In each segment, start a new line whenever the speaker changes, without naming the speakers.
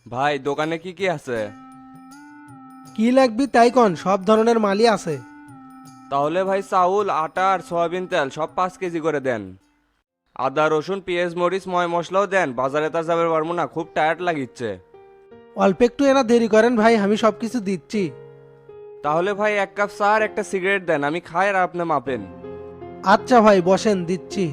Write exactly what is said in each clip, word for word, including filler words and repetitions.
ভাই দোকানে কি কি আছে?
কি লাগবি তাই কন, সব ধরনের মালই আছে।
তাহলে ভাই চাউল আটা আর সয়াবিন তেল সব পাঁচ কেজি করে দেন। আদা রসুন পেঁয়াজ মরিচ ময় মশলাও দেন, বাজারে তার যাবে পারবো না, খুব টায়ার্ড লাগিচ্ছে।
অল্প একটু এনা দেরি করেন ভাই, আমি সব কিছু দিচ্ছি।
তাহলে ভাই এক কাপ চা আর একটা সিগারেট দেন, আমি খাই আর আপনি মাপেন।
আচ্ছা ভাই বসেন, দিচ্ছি।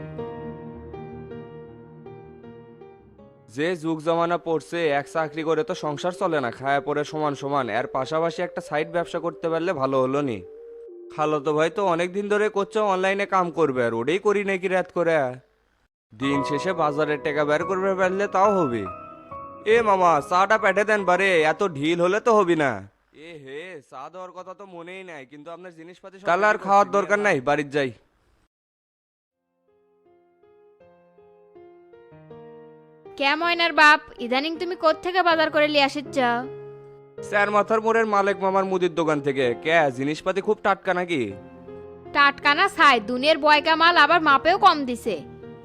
যে যুগ জমানা পড়ছে, এক চাকরি করে তো সংসার চলে না, খায়া পরে সমান সমান, এর পাশাপাশি একটা সাইড ব্যবসা করতে পারলে ভালো হলো নি। খালো তো ভাই তো অনেক দিন ধরে করছে অনলাইনে কাম করবে, আর ওটাই করি নাকি রাত করে। দিন শেষে বাজারের টাকা বের করবে পারলে তাও হবে। এ মামা চাটা পেটে দেন বারে, এত ঢিল হলে তো হবি না। এ হে, চা দেওয়ার কথা তো মনেই নাই, কিন্তু আপনার জিনিসপাতি সব তাহলে আর ready খাওয়ার করছি, দরকার নিয়ে নাই, যান। বাড়ির যাই।
কে ময়নার বাপ, ইদানিং তুমি কোত্থেকে বাজার করে লিয়ে আসিচ্ছ?
স্যার মাথার মোড়ের মালিক মামার মুদির দোকান থেকে। কে জিনিসপাতি খুব টাটকা নাকি?
টাটকানা ছাই, দুনিয়ার বয়কা মাল আবার মাপেও কম দিছে।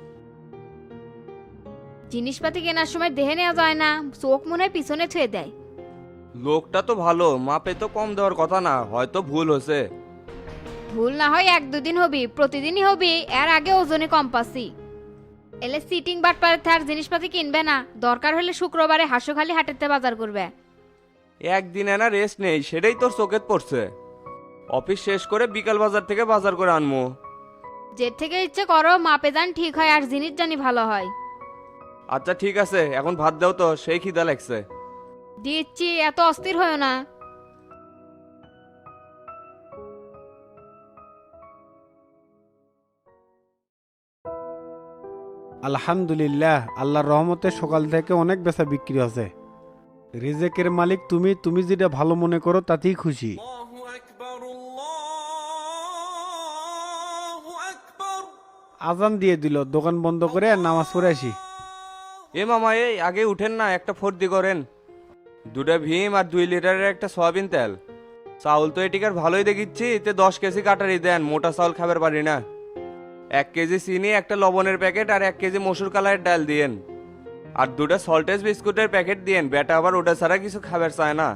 জিনিসপাতি কেনার সময় দেখে নেওয়া যায় না, চোখ মনে হয় পিছনে ছুঁয়ে দেয়।
লোকটা তো ভালো, মাপে তো কম দেওয়ার কথা না, হয়তো ভুল হয়েছে।
ভুল না হয় এক দুদিন হবি, প্রতিদিনই হবি, এর আগে ওজনে কম পাসি। এলে সিটিং বাট পারে তার জিনিসপাতি কিনবে না, দরকার হলে শুক্রবারে হাঁসুখালি হাটেতে বাজার করবে।
একদিন না রেস্ট নেই, সেটাই তোর চোখে পড়ছে। অফিস শেষ করে বিকাল বাজার থেকে বাজার করে আনমু।
যে থেকে ইচ্ছে করো, মাপে যান ঠিক হয় আর জিনিস জানি ভালো হয়।
আচ্ছা ঠিক আছে, এখন ভাত দাও তো, সেই খিদা লাগছে।
দিচ্ছি, এত অস্থির হয়েও না।
আলহামদুলিল্লাহ, আল্লাহর রহমতে সকাল থেকে অনেক বেচা বিক্রি আছে। রিজেকের মালিক তুমি, তুমি যেটা ভালো মনে করো তাতেই খুশি। আজান দিয়ে দিল, দোকান বন্ধ করে আর নামাজ পড়ে আসি।
এ মামা এই আগে উঠেন না, একটা ফর্দি করেন। দুটা ভীম আর দুই লিটারের একটা সয়াবিন তেল। চাউল তো এটিকার ভালোই দেখিচ্ছি, তে দশ কেজি কাটারি দেন, মোটা চাউল খাবার পারি না। এক কেজি চিনি, একটা লবণের প্যাকেট আর এক কেজি মসুর কালারের ডাল দিয়েন। আর দুটা সল্টেজ বিস্কুটের প্যাকেট দিয়েন, বেটা আবার ওটা ছাড়া কিছু খাবার চায় না।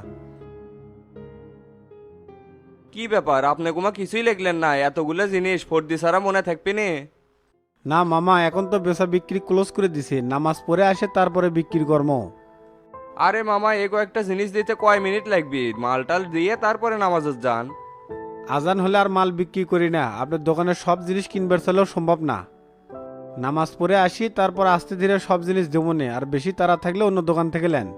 কি ব্যাপার, আপনি কুমা কিছুই লিখলেন না? এতগুলো জিনিস ফর্দি ছাড়া মনে থাকবে নি?
না মামা, এখন তো বেচা বিক্রি ক্লোজ করে দিছে, নামাজ পড়ে আসে তারপরে বিক্রি কর্ম।
আরে মামা এ কয়েকটা জিনিস দিতে কয় মিনিট লাগবে, মালটাল দিয়ে তারপরে নামাজে যান।
আজান হলে আর মাল বিক্রি করি না, আপনার দোকানের সব জিনিস কিনবার চলেও সম্ভব না। নামাজ পড়ে আসি, তারপর আস্তে ধীরে সব জিনিস দেবো নে, আর বেশি তাড়া থাকলে অন্য দোকান থেকে নেন।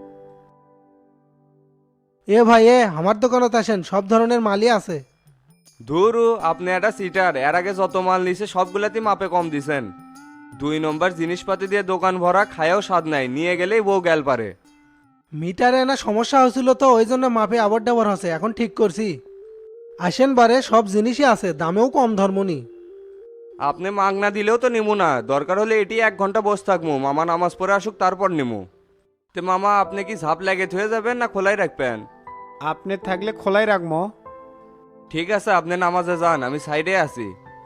এ ভাই এ আমার দোকানত আসেন, সব ধরনের মালই আছে।
ধুরু, আপনি একটা সিটার, এর আগে যত মাল নিছে সবগুলাতেই মাপে কম দিছেন। দুই নম্বর জিনিসপাতি দিয়ে দোকান ভরা, খায়াও স্বাদ নাই, নিয়ে গেলেই বউ গ্যাল পারে।
মিটারে না সমস্যা হয়েছিল তো, ওই জন্য মাপে আবার ডাবর হচ্ছে, এখন ঠিক করছি। আসেন বারে, সব জিনিসই আছে, দামেও কম ধর্মনি।
আপনি মাগনা দিলেও তো নিমু না, দরকার হলে এটি এক ঘন্টা বসে থাকবো, মামা নামাজ পড়ে আসুক তারপর নিমু। তে মামা আপনি কি ঝাপ লাগে থয়ে যাবেন না খোলাই রাখবেন?
আপনি থাকলে খোলাই রাখবো।
ঠিক আছে, আপনি নামাজে যান, আমি সাইডে আছি।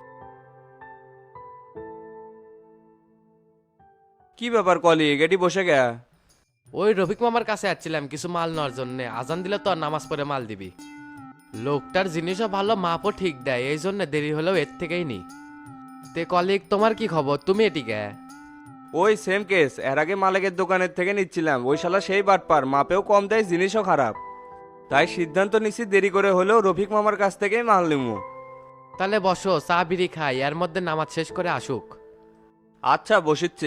কি ব্যাপার কলি গেটি বসে গে?
ওই রফিক মামার কাছে যাচ্ছিলাম কিছু মাল নেওয়ার জন্য, আজান দিলে তো আর নামাজ পড়ে মাল দিবি। লোকটার জিনিসও ভালো, মাপও ঠিক দেয়, এই জন্য দেরি হলেও এর থেকেই নি। তে কলিগ, তোমার কি খবর, তুমি এটিকে?
ওই সেম কেস, এর আগে মালিকের দোকানের থেকে নিচ্ছিলাম, ওই শালা সেই বাটপার, মাপেও কম দেয় জিনিসও খারাপ। তাই সিদ্ধান্ত নিচ্ছি দেরি করে হলেও রফিক মামার কাছ থেকেই মাল নিমু।
তাহলে বসো, চা বিড়ি খাই, এর মধ্যে নামাজ শেষ করে আসুক।
আচ্ছা বসিচ্ছি।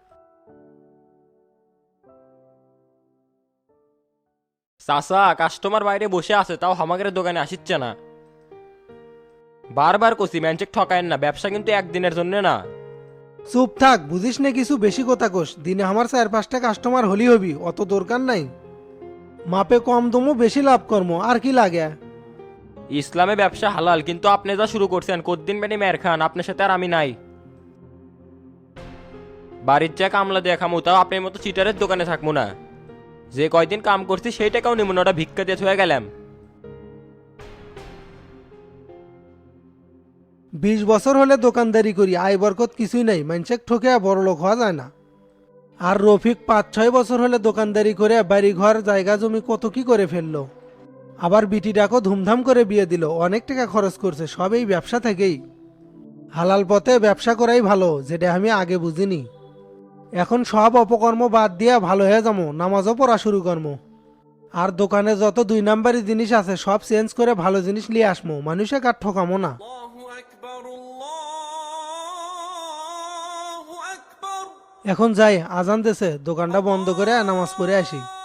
চাচা, কাস্টমার বাইরে বসে আছে, তাও হামাকের দোকানে আসিচ্ছে না। বারবার কষি ম্যানচেক ঠকায়েন না, ব্যবসা কিন্তু একদিনের জন্য না।
চুপ থাক, বুঝিস না কিছু, বেশি কথা কোস। দিনে আমার চার পাঁচটা কাস্টমার হলি হবি, অত দরকার নাই। মাপে কম দমো, বেশি লাভ কর্ম, আর কি লাগে।
ইসলামে ব্যবসা হালাল, কিন্তু আপনি যা শুরু করছেন, কদ্দিন বেনি মের খান, আপনার সাথে আর আমি নাই। বাড়ির যা কামলা দিয়ে খামু, তাও আপনার মতো চিটারের দোকানে থাকবো না। যে কয়দিন কাম করছি সেই টাকাও নিব না, ওটা ভিক্ষা দিয়ে হয়ে গেলাম।
বিশ বছর হলে দোকানদারি করি, আয় বরকত কিছুই নাই, মানুষের ঠকে বড় লোক হওয়া যায় না। আর রফিক পাঁচ ছয় বছর হলে দোকানদারি করে বাড়ি ঘর জায়গা জমি কত কি করে ফেললো। আবার বিটিটাকেও ধুমধাম করে বিয়ে দিল, অনেক টাকা খরচ করছে, সব এই ব্যবসা থেকেই। হালাল পথে ব্যবসা করাই ভালো, যেটা আমি আগে বুঝিনি। এখন সব অপকর্ম বাদ দিয়ে ভালো হয়ে যাবো, নামাজও পড়া শুরু করবো। আর দোকানে যত দুই নাম্বারি জিনিস আছে সব চেঞ্জ করে ভালো জিনিস নিয়ে আসবো, মানুষে কার ঠকামো না। এখন যাই, আজান দেছে, দোকানটা বন্ধ করে নামাজ পড়ে আসি।